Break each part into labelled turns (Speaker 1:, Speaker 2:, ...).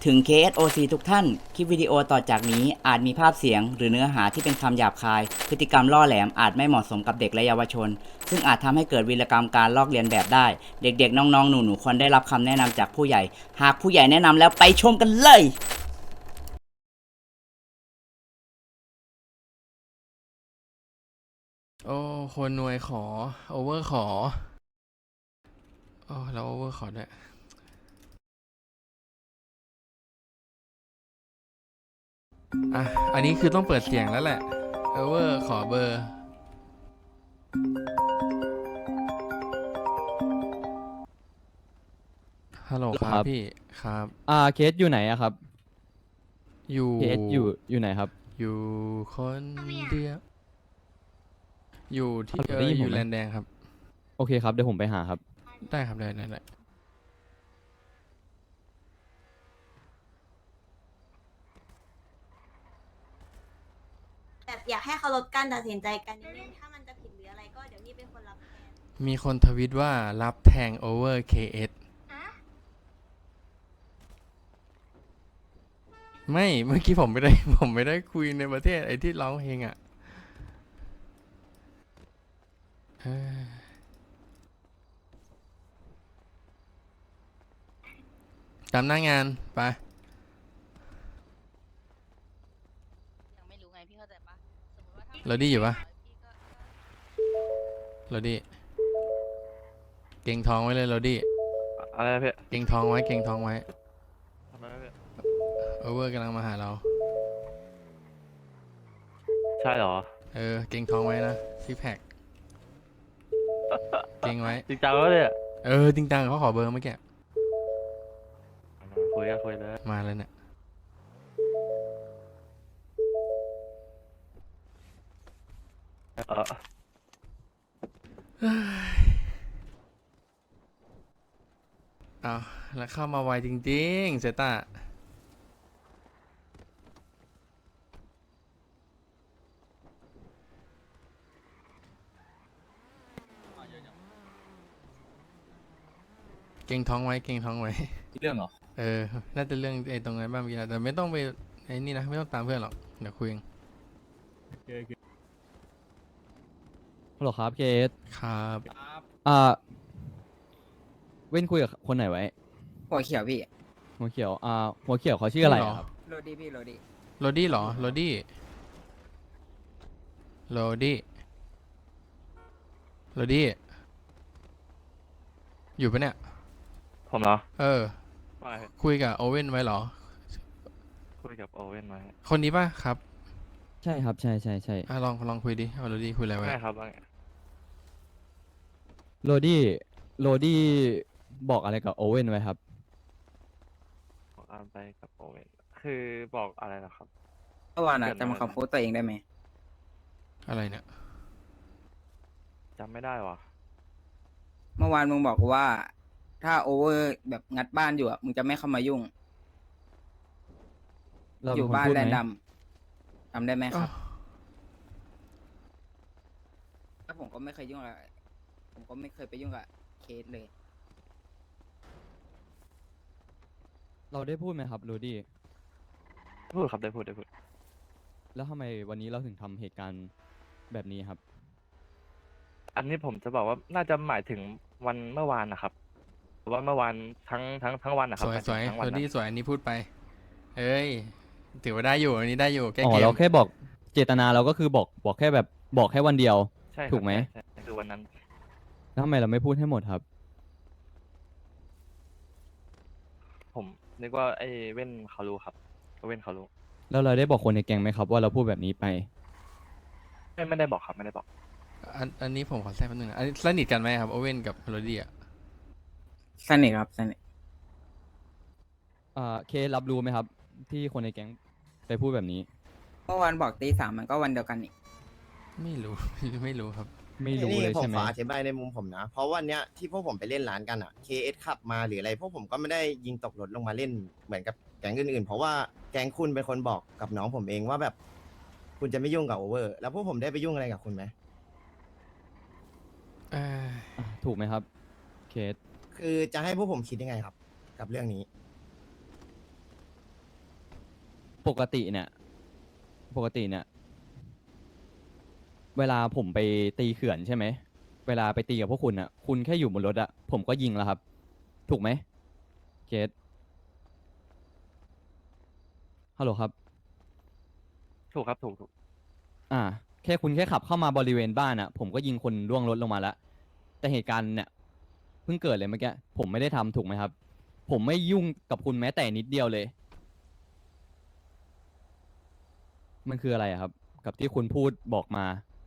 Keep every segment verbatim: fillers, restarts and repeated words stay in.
Speaker 1: ถึง เค เอส โอ ซี ทุกท่าน คลิปวิดีโอต่อจากนี้อาจมีภาพเสียงหรือเนื้อหาที่เป็นคำหยาบคาย พฤติกรรมล่อแหลมอาจไม่เหมาะสมกับเด็กและเยาวชน ซึ่งอาจทำให้เกิดวีรกรรมการลอกเลียนแบบได้ เด็กๆ น้องๆ หนูๆ ควรได้รับคำแนะนำจากผู้ใหญ่ หากผู้ใหญ่แนะนำแล้วไปชมกันเลย
Speaker 2: โอ้คนหน่วยขอโอเวอร์ขอโอ้แล้วโอเวอร์ขอด้วยอ่ะอันนี้คือต้องเปิดเสียงแล้วแหละโอเวอร์ขอเบอร์ฮัลโหลค
Speaker 3: ค
Speaker 2: รั
Speaker 3: รั
Speaker 2: บบ พี่ครับ
Speaker 3: อ่าเคสอยู่ไหนอะครับ
Speaker 2: อยู่
Speaker 3: เคสอยู่อยู่ไหนครับ
Speaker 2: อยู่คนเดียวอยู่ที่
Speaker 3: ฮัลโหล
Speaker 2: เอ
Speaker 3: ได้
Speaker 2: อ
Speaker 3: ยิน
Speaker 2: อ
Speaker 3: ผม
Speaker 2: ยู่
Speaker 3: ไหม
Speaker 2: แลนแดงครับ
Speaker 3: โอเคครับเดี๋ยวผมไปหาครับ
Speaker 2: ได้ครับได้ได้ได้
Speaker 4: แบบอยากให้เคารพการตัดสินใจกันนิดนึงถ้ามันจะผิดหรืออะไรก็เดี๋ยวนี่เป็นคนรับแทน
Speaker 2: มีคนทวิตว่ารับแทงโอเวอร์ เค เอส ไม่เมื่อกี้ผมไม่ได้ ผมไม่ได้คุยในประเทศไอ้ที่ร้องเพลงอ่ะเฮ้ยตามหน้างานไป
Speaker 5: ยังไม่รู้ไงพี่เข้าใจปะสมมติว่าถ้า
Speaker 2: เราดีอยู่ปะ
Speaker 5: พี่ก็
Speaker 2: เราดีเก่งท้องไว้เลยเราดี
Speaker 6: อะไรนะพี่
Speaker 2: เก่งท้องไว้เก่งท้องไว้
Speaker 6: ทำไมนะพี่
Speaker 2: โอเวอร์กำลังมาหาเรา
Speaker 6: ใช่เหรอ
Speaker 2: เออเก่งท้องไว้นะซิกแพคเก่งไว้
Speaker 6: จริงจังวะเนี่ย
Speaker 2: เออจริงจังเขาขอเบอร์เมื่อกี้
Speaker 6: คุยกันคุยเลย
Speaker 2: มาเลยเนี่ย
Speaker 6: เออ
Speaker 2: เอาแล้วเข้ามาไวจริงๆเซต้าเก่งท้องไว้เก่งท้องไว้
Speaker 7: เรื่องเหรอ
Speaker 2: เออ น่าจะเรื่องไอ้ตรงนั้นบ้างมีนะแต่ไม่ต้องไปไอ้นี่นะ ไม่ต้องตามเพื่อนหรอก เดี๋ยวคุยเอง
Speaker 3: ฮัลโหลครับเคส
Speaker 2: ครับ
Speaker 3: อ่าเว้นคุยกับคนไหนไว้
Speaker 8: หัวเขียวพี่
Speaker 3: หัวเขียว อ่า หัวเขียวเขาชื่ออะไรอะครับ
Speaker 8: โรดี้พี่โรดี้
Speaker 2: โรดี้เหรอ โรดี้ โรดี้ โรดี้ อยู่ปะเนี่ย
Speaker 6: ผมเหรอ
Speaker 2: เออ
Speaker 6: ไม่พี่
Speaker 2: คุยกับโอเว่นไว้เหรอ
Speaker 6: คุยกับโอเว่นมา
Speaker 2: คนนี้ป่ะครับ
Speaker 3: ใช่ครับ ใช่ใช่ใช่
Speaker 2: อ่ะลองลองคุยดิเอาโรดี้คุยอะไรไว้
Speaker 6: ไม่ครับว่าไง
Speaker 3: โรดี้โรดี้บอกอะไรกับโอเว่นไว้ครับ
Speaker 6: บอกตามไปกับโอเว่นคือบอกอะไรเหรอครับ
Speaker 8: เมื่อวานอะ
Speaker 6: เกิดอะไร
Speaker 8: จำคำพูดตัวเองได้ไหม
Speaker 2: อะไรเนี่ย
Speaker 6: จำไม่ได้วะ
Speaker 8: เมื่อวานมึงบอกกูว่า ถ้าโอเวอร์แบบงัดบ้านอยู่อะมึงจะไม่เข้ามายุ่ง
Speaker 3: เรา
Speaker 8: อ
Speaker 3: เป็น
Speaker 8: ยู่
Speaker 3: คน
Speaker 8: บ้าน
Speaker 3: พูด
Speaker 8: แรน
Speaker 3: ไหม
Speaker 8: ดัมจำได้ไหมครับ
Speaker 2: อ้าว
Speaker 8: ถ้าผมก็ไม่เคยยุ่งกับผมก็ไม่เคยไปยุ่งกับเคสเลย
Speaker 3: เราได้พูดไหมครับโรดี้
Speaker 6: พูดครับได้พูดได้พูด
Speaker 3: แล้วทำไมวันนี้เราถึงทำเหตุการณ์แบบนี้ครับ
Speaker 6: อันนี้ผมจะบอกว่าน่าจะหมายถึงวันเมื่อวานนะครับว่าเมื่อวานทั้งทั้งทั้งวันนะครั
Speaker 2: ส
Speaker 6: บ
Speaker 2: วย
Speaker 6: หมาย
Speaker 2: ส
Speaker 6: ถึ
Speaker 2: วย
Speaker 6: งทั้ง
Speaker 2: โร
Speaker 6: วันนะ
Speaker 2: ดี้สวยอันนี้พูดไป เอ้ย ถือว่าได้อยู่ อันนี้ได้อยู่ แก้
Speaker 3: อ๋อ
Speaker 2: เก
Speaker 3: เรา
Speaker 2: ม
Speaker 3: แค่บอกเจตนาเราก็คือบอกบอกแค่แบบบอกแค่วันเดียว
Speaker 6: ใช่ครับ
Speaker 3: ถูกไหม
Speaker 6: ใช่ใช่คือวันนั้น
Speaker 3: แล้วทำไมเราไม่พูดให้หมดครับ
Speaker 6: ผมนึกว่าไอ้เว่นเขารู้ครับเว่นเขารู้
Speaker 3: แล้วเราได้บอกคนในแก๊งไหมครับว่าเราพูดแบบนี้ไป
Speaker 6: ไม่ไม่ได้บอกครับไม่ได้บอก
Speaker 2: อันอันนี้ผมขอแทรกแป๊บนึงนะอันนี้สนิทกันไหมครับโอเว่นกับโรดี้อ่ะ
Speaker 8: สนิทครับสนิท
Speaker 3: อ่าเครับรู้ไหมครับ ที่คนในแก๊งไปพูดแบบนี้
Speaker 8: เมื่อวานบอกตีสามมันก็วันเดียวกันนี่
Speaker 2: ไม่รู้ ไม่รู้ครับ
Speaker 3: ไม่รู้
Speaker 7: นี่
Speaker 3: เลย
Speaker 7: ผม
Speaker 3: ใช่ไหม
Speaker 7: ขออธิบายในมุมผมนะ เพราะวันเนี้ยที่พวกผมไปเล่นร้านกันอ่ะ เค เอส ขับมาหรืออะไร พวกผมก็ไม่ได้ยิงตกรถลงมาเล่นเหมือนกับแก๊งอื่นๆ เพราะว่าแก๊งคุณเป็นคนบอกกับน้องผมเองว่าแบบ คุณจะไม่ยุ่งกับโอเวอร์ แล้วพวกผมได้ไปยุ่งอะไรกับคุณไหม
Speaker 2: เอ้ย
Speaker 3: อ่ะถูกไหมครับ เคส
Speaker 7: คือจะให้พวกผมคิดยังไงครับ กับเรื่องนี้
Speaker 3: ปกติเนี่ย ปกติเนี่ย เวลาผมไปตีเขื่อนใช่ไหม เวลาไปตีกับพวกคุณอ่ะ คุณแค่อยู่บนรถอ่ะ ผมก็ยิงแล้วครับ ถูกไหมเกตฮัลโหลครับ
Speaker 6: ถูกครับถูกถูก
Speaker 3: อ่า แค่คุณแค่ขับเข้ามาบริเวณบ้านอ่ะ ผมก็ยิงคนล่วงรถลงมาแล้ว แต่เหตุการณ์เนี่ยเพิ่งเกิดเลยเมื่อกี้ ผมไม่ได้ทำถูกไหมครับ ผมไม่ยุ่งกับคุณแม้แต่นิดเดียวเลย มันคืออะไรอะครับ กับที่คุณพูดบอกมา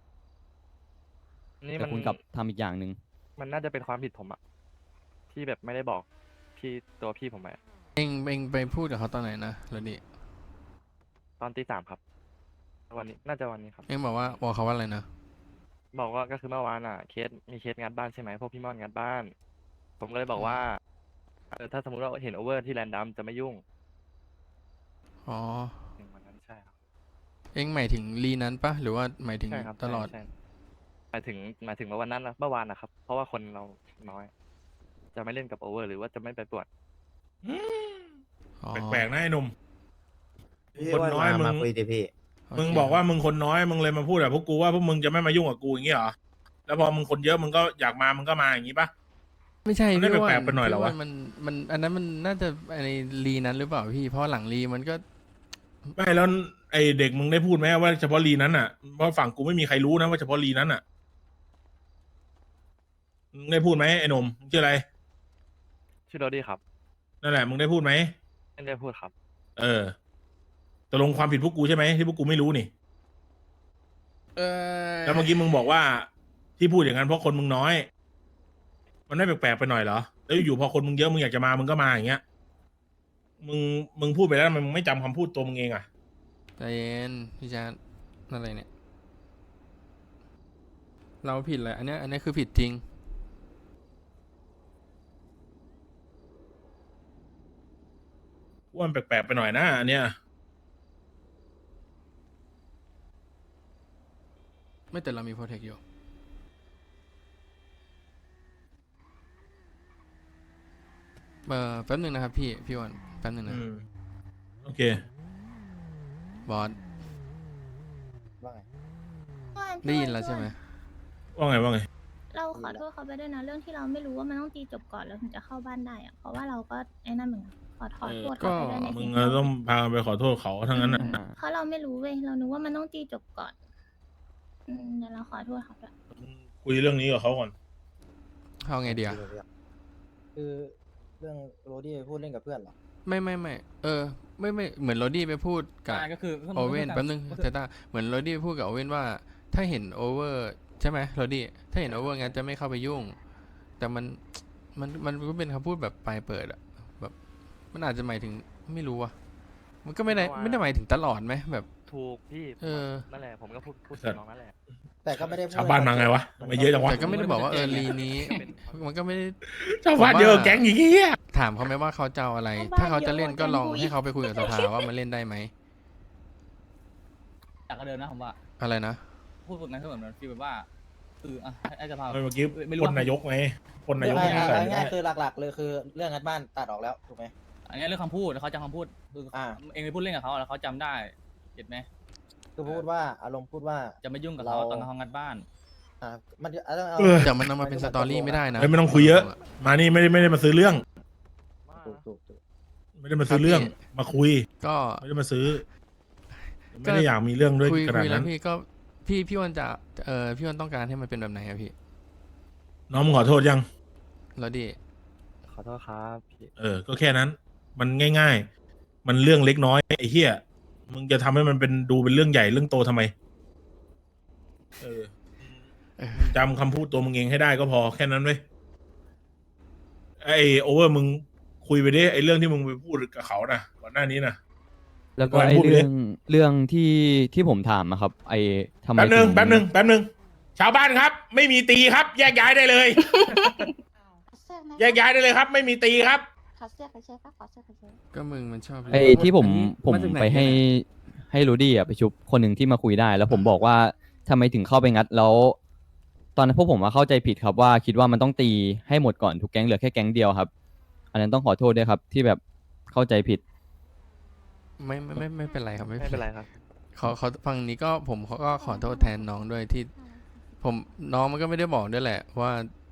Speaker 6: นี่
Speaker 3: แต่
Speaker 6: มัน
Speaker 3: คุณกลับทำอีกอย่างหนึ่ง
Speaker 6: มันน่าจะเป็นความผิดผมอะที่แบบไม่ได้บอกพี่ตัวพี่ผมไปอะ
Speaker 2: เองเองไปพูดกับเขาตอนไหนนะโรดี้
Speaker 6: ตอนตีสามครับ วันนี้น่าจะวันนี้ครับ
Speaker 2: เองบอกว่าบอกเขาว่าอะไรนะ
Speaker 6: บอกว่าก็คือเมื่อวานอ่ะเคสมีเคสงานบ้านใช่ไหมพวกพี่มอนงานบ้าน ผมก็เลยบอกว่าเออถ้าสมมติว่าเห็นโอเวอร์ที่แรนดัมจะไม่ยุ่ง
Speaker 2: อ๋อ
Speaker 6: ในวันนั้นใช่ครับ
Speaker 2: เองหมายถึงลีนั้นปะหรือว่าหมายถึง
Speaker 6: ใช่ครับ
Speaker 2: ตลอด
Speaker 6: ใช่ใช่หมายถึงหมายถึงว่าวันนั้นนะเมื่อวานนะครับ เพราะว่าคนเราน้อย จะไม่เล่นกับโอเวอร์หรือว่าจะไม่ไปปวด
Speaker 2: อ๋อ
Speaker 9: แปลกๆนะไอ้หนุ่ม
Speaker 7: พี่
Speaker 9: คน
Speaker 7: ว่า
Speaker 9: น้อย
Speaker 7: มา
Speaker 9: มึง
Speaker 7: มาคุยดิพี่
Speaker 2: โเค
Speaker 9: มึงบอกว่ามึงคนน้อยมึงเลยมาพูดแบบพวกกูว่าพวกมึงจะไม่มายุ่งกับกูอย่างงี้เหรอ แล้วพอมึงคนเยอะมึงก็อยากมามึงก็มาอย่างงี้ปะ
Speaker 2: ไม่ใช่
Speaker 9: มันได้
Speaker 2: พี่ว่า
Speaker 9: แปลกๆไปหน่อยเหรอวะ
Speaker 2: พี่ามันมันอันนั้นมันน่าจะในลีนั้นหรือเปล่าพี่ เพราะหลังลีมันก็
Speaker 9: ไม่แล้วไอเด็กมึงได้พูดไหมว่าเฉพาะลีนั้นอ่ะเพราะฝั่งกูไม่มีใครรู้นะว่าเฉพาะลีนั้นอ่ะมึงได้พูดไหมไอ้หนุ่มมึงชื่ออะไร
Speaker 6: ชื่อโรดี้ครับ
Speaker 9: นั่นแหละมึงได้พูดไหม
Speaker 6: ไม่ได้พูดครับ
Speaker 9: เออตกลงความผิดพวกกูใช่ไหมที่พวกกูไม่รู้นี่
Speaker 2: เออ
Speaker 9: แล้วเมื่อกี้มึงบอกว่าที่พูดอย่างนั้นเพราะคนมึงน้อย มันไม่แปลกๆไปหน่อยเหรอแล้วอยู่พอคนมึงเยอะมึงอยากจะมามึงก็มาอย่างเงี้ยมึงมึงพูดไปแล้วทำไมมึงไม่จำคำพูดตัวมึงเองอ่ะ
Speaker 2: ใจเย็นพี่ชาร์ตอะไรเนี่ย เราผิดเลยอันเนี้ยอันเนี้ยคือผิดจริง
Speaker 9: ว่ามันแปลกๆไปหน่อยนะอันเนี้ย
Speaker 2: ไม่แต่เรามีโปรเทคอยู่ เออแป๊บหนึ่งนะครับพี่ พี่วันแป๊บหนึ่งนะ
Speaker 9: อืมโอเค
Speaker 2: บอส
Speaker 8: ว่าไง
Speaker 2: ได้ยินแล้วใช่ไหม
Speaker 9: ว่าไงว่าไง
Speaker 10: เราขอโทษเขาไปด้วยนะเรื่องที่เราไม่รู้ว่ามันต้องตีจบก่อนแล้วถึงจะเข้าบ้านได้อะเพราะว่าเราก็ไอ้นั่นเหมือนกันขอถอนโทษเขาไปด้วยใน
Speaker 9: มึ
Speaker 10: สิ่
Speaker 9: ง
Speaker 10: งที่เรา
Speaker 9: ต้องพาไปขอโทษเขาทั้งนั้นอ่ะ
Speaker 3: อ่า
Speaker 10: เพราะเราไม่รู้เว้ยเรานึกว่ามันต้องตีจบก่อนอืมเดี๋ยวเราขอโทษเขาด้วย
Speaker 9: มึงคุยเรื่องนี้กับเขาก่อน
Speaker 2: เข้าไงเดียว
Speaker 8: คือเรื่องโรดี้พูดเล่นกับเพื่อนเหรอ
Speaker 2: ไม่ไม่ไม่เออ ไม่ไม่เหมือนโรดี้ไปพูดกับ
Speaker 3: ก็คือ
Speaker 2: โอเว่นแป๊บนึงเจต้าเหมือนโรดี้พูดกับโอเว่นว่า ถ้าเห็นโอเวอร์ใช่ไหมโรดี้ถ้าเห็นโอเวอร์งั้นจะไม่เข้าไปยุ่ง แต่มันมันมันก็เป็นคำพูดแบบปลายเปิดอะแบบมันอาจจะหมายถึงไม่รู้อะมันก็ไม่ได้ไม่ได้หมายถึงตลอดไหมแบบ
Speaker 6: ถูกพี่
Speaker 2: เออ
Speaker 6: นั่นแหละผมก็พูดพูดถึงน้องนั่นแหละ
Speaker 8: แต่ก็ไม่ได้พูด
Speaker 9: ชาวบ้านมาไงวะทำไมเยอะจังวะ
Speaker 2: แต่ก็ไม่ได้บอกว่าเออลีนี้ มันก็ไม่ได้
Speaker 9: ชาวบ้านเยอะกว่าแก๊งอย่างเงี้ย
Speaker 2: ถามเขาไหมว่าเขาจะเอาอะไร ถ้าเขาจะเล่นก็ลองให้เขาไปคุยกับสภาว่ามันเล่นได้ไหม
Speaker 3: จากก็เดินนะผมว่า
Speaker 2: อะไรนะ
Speaker 3: พูดแบบนั้นก็เหมือนฟีลแบบว่าคืออ่ะให้จะพา
Speaker 9: เมื่อกี้
Speaker 3: ไม่รู้
Speaker 9: คน
Speaker 3: ว่า
Speaker 9: นายกไงคนนายก
Speaker 8: ไม่
Speaker 9: ไม่
Speaker 8: ไม่
Speaker 9: ใส่
Speaker 8: เอา
Speaker 9: ไม่
Speaker 8: ง่าย
Speaker 9: ได้
Speaker 8: ๆคือหลักๆ เลยคือเรื่องงัดบ้านตัดออกแล้วถูกไหม
Speaker 3: อันนี้เรื่องคำพูดแล้วเขาจำคำพูดคืออา เองไปพูดเล่นกับเขาแล้วเขาจำได้เห็นไหม
Speaker 8: คือพูดว่าอารมณ์พูดว่า
Speaker 3: จะไม่ยุ่งกับเขา
Speaker 8: เรา
Speaker 3: ตอนเขางัดบ้าน
Speaker 8: อ่ามันจะต้องเอา
Speaker 9: เออ
Speaker 2: แต่มันเอามาเป็นสตอรี่ไม่ได้นะ
Speaker 9: เฮ้ยไม่ต้องคุยเยอะ มานี่ไม่ได้ไม่ได้มาซื้อเรื่อง
Speaker 8: ถูกถูกถูก
Speaker 9: ไม่ได้มาซื้อเรื่อง มาคุย
Speaker 2: ก็
Speaker 9: ไม่ได้มาซื้อ ไม่ได้อยากมีเรื่องด้วย
Speaker 2: คุย
Speaker 9: ขนา
Speaker 2: คุ
Speaker 9: ด
Speaker 2: ยแล้
Speaker 9: นั้
Speaker 2: วน พี่ก็พี่พี่วันจะเออพี่วันต้องการให้มันเป็นแบบไหนอะพี่
Speaker 9: น้องมึงขอโทษยัง
Speaker 2: แล้วดิ
Speaker 6: ขอโทษครับพี่
Speaker 9: เออ ก็แค่นั้น มันง่าย ๆ มันเรื่องเล็กน้อยไอ้เหี้ย มึงจะทำให้มันเป็นดูเป็นเรื่องใหญ่เรื่องโตทำไม เออ
Speaker 2: เออ
Speaker 9: จำคำพูดตัวมึงเองให้ได้ก็พอแค่นั้นเว้ย ไอโอเวอร์มึงคุยไปดิไอเรื่องที่มึงไปพูดกับเขานะก่อนหน้านี้นะ
Speaker 3: แล้วก็
Speaker 9: ก่อน
Speaker 3: ไอ้
Speaker 9: พูดไปดิ
Speaker 3: เรื่องเรื่องที่ที่ผมถามอะครับ ไอ้ทำไม
Speaker 9: แป๊บหนึ่ง
Speaker 3: ถึ
Speaker 9: แป๊บหนึ่งแป๊บหนึ่งชาวบ้านครับ ไม่มีตีครับ แยกย้ายได้เลย แยกย้ายได้เลยครับ ไม่มีตีครับ
Speaker 10: ขอเสื้อขอเสื้อขอเสื้อขอเสื้อ
Speaker 2: ก็มึงมันชอบ
Speaker 3: ไอ้ที่ผมผม
Speaker 2: าจากน
Speaker 3: ไปให้
Speaker 2: เนี่ย
Speaker 3: ให้รูดี้อะไปชุบคนหนึ่งที่มาคุยได้ แล้วผมบอกว่าทำไมถึงเข้าไปงัดแล้ว ตอนนั้นพวกผมมาเข้าใจผิดครับว่าคิดว่ามันต้องตีให้หมดก่อนทุกแก๊งเหลือแค่แก๊งเดียวครับ อันนั้นต้องขอโทษด้วยครับ ที่แบบเข้าใจผิด
Speaker 2: ไม่ไม่ไม่ไม่เป็นไรครับ ไม่
Speaker 6: ไม่เป็นไรครับ
Speaker 2: เขาเขาฟังนี้ก็ผมเขาก็ขอโทษแทนน้องด้วยที่ ผมน้องมันก็ไม่ได้บอกด้วยแหละ ว่า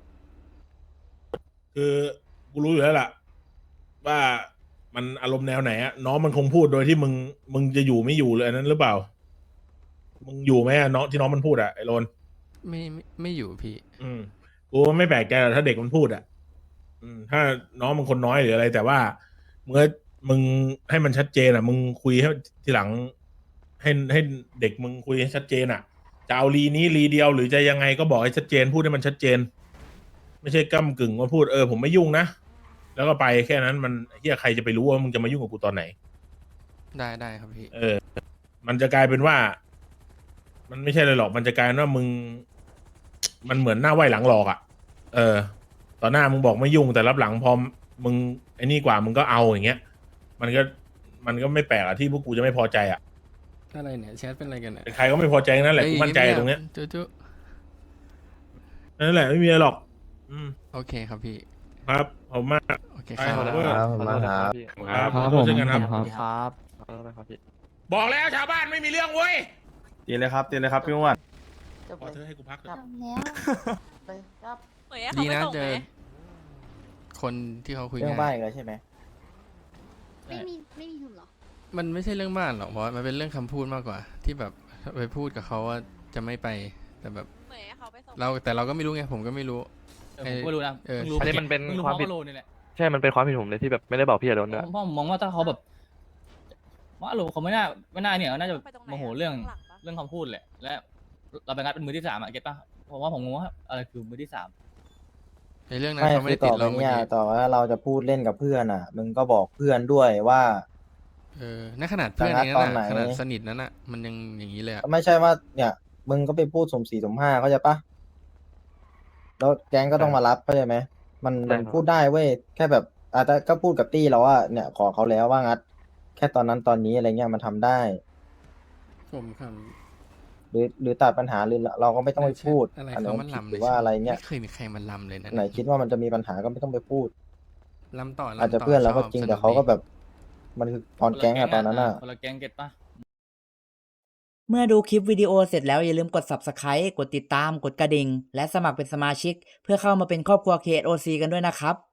Speaker 9: คือกูรู้อยู่แล้วล่ะ ว่ามันอารมณ์แนวไหนอะน้องมันคงพูดโดยที่มึงมึงจะอยู่ไม่อยู่เลยอันนั้นหรือเปล่า มึงอยู่ไหมอะน้องที่น้องมันพูดอะไอ้โรน
Speaker 2: ไม่ไม่ไม่อยู่พี่
Speaker 9: อืมกูไม่แปลกใจหรอกถ้าเด็กมันพูดอะอืม ถ้าน้องมันคนน้อยหรืออะไร แต่ว่ามึงก็มึงให้มันชัดเจนอะมึงคุยให้ทีหลัง ให้ให้เด็กมึงคุยให้ชัดเจนอะจะเอารีนี้รีเดียวหรือจะยังไงก็บอกให้ชัดเจน พูดให้มันชัดเจน ไม่ใช่ก้ำกึ่งว่าพูดเออผมไม่ยุ่งนะแล้วก็ไปแค่นั้นมันเฮียใครจะไปรู้ว่ามึงจะมายุ่งกับกูตอนไหน
Speaker 2: ได้ได้ครับพี่
Speaker 9: เออ มันจะกลายเป็นว่า มันไม่ใช่เลยหรอก มันจะกลายเป็นว่ามึง มันเหมือนหน้าไหวหลังหลอกอะ่ะ เออ ตอนหน้ามึงบอกไม่ยุ่งแต่รับหลังพอมึงไอ้นี่กว่ามึงก็เอาอย่างเงี้ย มันก็ มันก็ไม่แปลกอะที่พวกกูจะไม่พอใจอะ่ะ
Speaker 2: อะไรเนี่ยแชทเป็นอะไรกันเนี่ย
Speaker 9: เป็นใครก็ไม่พอใจนั่นแหละ
Speaker 2: เอ้ย
Speaker 9: กูมั่นใจตรงเนี้ย
Speaker 2: จุ๊จุ๊
Speaker 9: นั่นแหละไม่มีอะไรหรอก อืม
Speaker 2: โอเคครับพี่
Speaker 9: ครับผมมาก
Speaker 2: โอเค
Speaker 9: ไป
Speaker 2: ครับ
Speaker 9: ขอโทษ
Speaker 7: ครับ
Speaker 6: ขอโทษนะครับพี่
Speaker 9: ครับ
Speaker 3: ครับ
Speaker 9: ขอโทษ
Speaker 3: ผม
Speaker 9: เช่นกันครับ
Speaker 3: ครับ
Speaker 8: ครับ
Speaker 6: ขอโทษนะครับพี่
Speaker 9: บอกแล้วชาวบ้านไม่มีเรื่องเว้ย
Speaker 11: ตีเลยครับตีเลยครับพี่อ้วน
Speaker 9: ขอเธอให้กูพักเถ
Speaker 10: จ
Speaker 9: อะ
Speaker 10: บแล้ว
Speaker 5: เหมยให้
Speaker 2: ดี
Speaker 5: เขาไป
Speaker 2: นะ
Speaker 5: ส่ง
Speaker 2: เจ
Speaker 5: ไห
Speaker 2: อ
Speaker 5: ม
Speaker 2: คนที่เขาคุย
Speaker 8: เรื่อง
Speaker 2: งา
Speaker 8: บ้าน
Speaker 2: น
Speaker 8: อีกแล้วใช่ไหม
Speaker 10: ไม่มีไม่มีถุนหรอ
Speaker 2: มันไม่ใช่เรื่องบ้านหรอกเพราะว่ามันเป็นเรื่องคำพูดมากกว่า ที่แบบไปพูดกับเขาว่าจะไม่ไป แต่แบบ
Speaker 5: เหมยให้เขาไปส่ง
Speaker 2: เราแต่เราก็ไม่รู้ไงผมก็ไม่รู้
Speaker 3: เออผมก็ไม่รู้นะ
Speaker 2: เออ
Speaker 3: เพิ่งรู้
Speaker 6: อันนี้มันเป็น
Speaker 3: พิ่งรู้
Speaker 6: ความ
Speaker 3: เพ
Speaker 6: ผิด
Speaker 3: ระโลนี่แหละ
Speaker 6: ใช่ มันเป็นความผิดผมเลยที่แบบไม่ได้บอกพี่อารมณ์ด้วย
Speaker 3: ผมผมมองว่าถ้าเขาแบบว่าโลเขาไม่น่าไม่น่าเนี่ยน่าจะ
Speaker 5: ไปตรงไหน
Speaker 3: โม
Speaker 5: อะ
Speaker 3: โหเรื่อง
Speaker 5: ข้างหลังปะ
Speaker 3: เรื่องคำพูดแหละ และเราไปงัดเป็นมือที่สามอะเก็ตปะผมว่าผมงงว่าอะไรคือมือที่สาม
Speaker 2: ในเรื่องนั้นเขาไม่ได้ติดเราเมื่อกี้
Speaker 8: ต่อว่าเราจะพูดเล่นกับเพื่อนอ่ะ มึงก็บอกเพื่อนด้วยว่า
Speaker 2: เออในขนาดเพื่อน
Speaker 8: จะงัด
Speaker 2: นี้
Speaker 8: ตอน
Speaker 2: น่ะ
Speaker 8: ไหน
Speaker 2: ขนาดสนิทนั้นน่ะ มันยังอย่างนี้เลยอะ
Speaker 8: ไม่ใช่ว่า เนี่ย มึงก็ไปพูดสมสี่สมห้าเข้าใจปะแล้วแก๊งก็ต้องมารับเข้าใจไหมมัน
Speaker 6: ใช่
Speaker 8: มัน
Speaker 6: ครับ
Speaker 8: พูดได้เว้ยแค่แบบอาจจะก็พูดกับตี้เราว่าเนี่ย ขอเขาแล้วว่างัด แค่ตอนนั้นตอนนี้อะไรเงี้ยมันทำได้
Speaker 2: ผมค
Speaker 8: หรือหรือตัดปัญหาหรือเราก็ไม่
Speaker 2: ำ
Speaker 8: ต้องไปพูด
Speaker 2: อะไร
Speaker 8: อันไหน
Speaker 2: เขา
Speaker 8: มั
Speaker 2: มัน น
Speaker 8: ผิด
Speaker 2: ลำ
Speaker 8: ห
Speaker 2: เล
Speaker 8: รื
Speaker 2: ย
Speaker 8: อว่าอะไรเงี้ย
Speaker 2: ไม่เคยมีใครมันลำเลยนะ
Speaker 8: ไหนคิดว่ามันจะมีปัญหาก็ไม่ต้องไปพูด
Speaker 2: ลำต่อลำต่
Speaker 8: อาจจะเพื่อนเราก็จริง
Speaker 2: ช
Speaker 8: แต่
Speaker 2: สนุ
Speaker 8: เขาก็
Speaker 2: ดี
Speaker 8: แบบ มันคือตอนแก๊งอะตอนนั้นอะ
Speaker 3: คนละแก๊งเก็ตปะ
Speaker 1: เมื่อดูคลิปวิดีโอเสร็จแล้วอย่าลืมกด Subscribe กดติดตาม กดกระดิ่ง และสมัครเป็นสมาชิก เพื่อเข้ามาเป็นครอบครัว เค โอ ซี กันด้วยนะครับ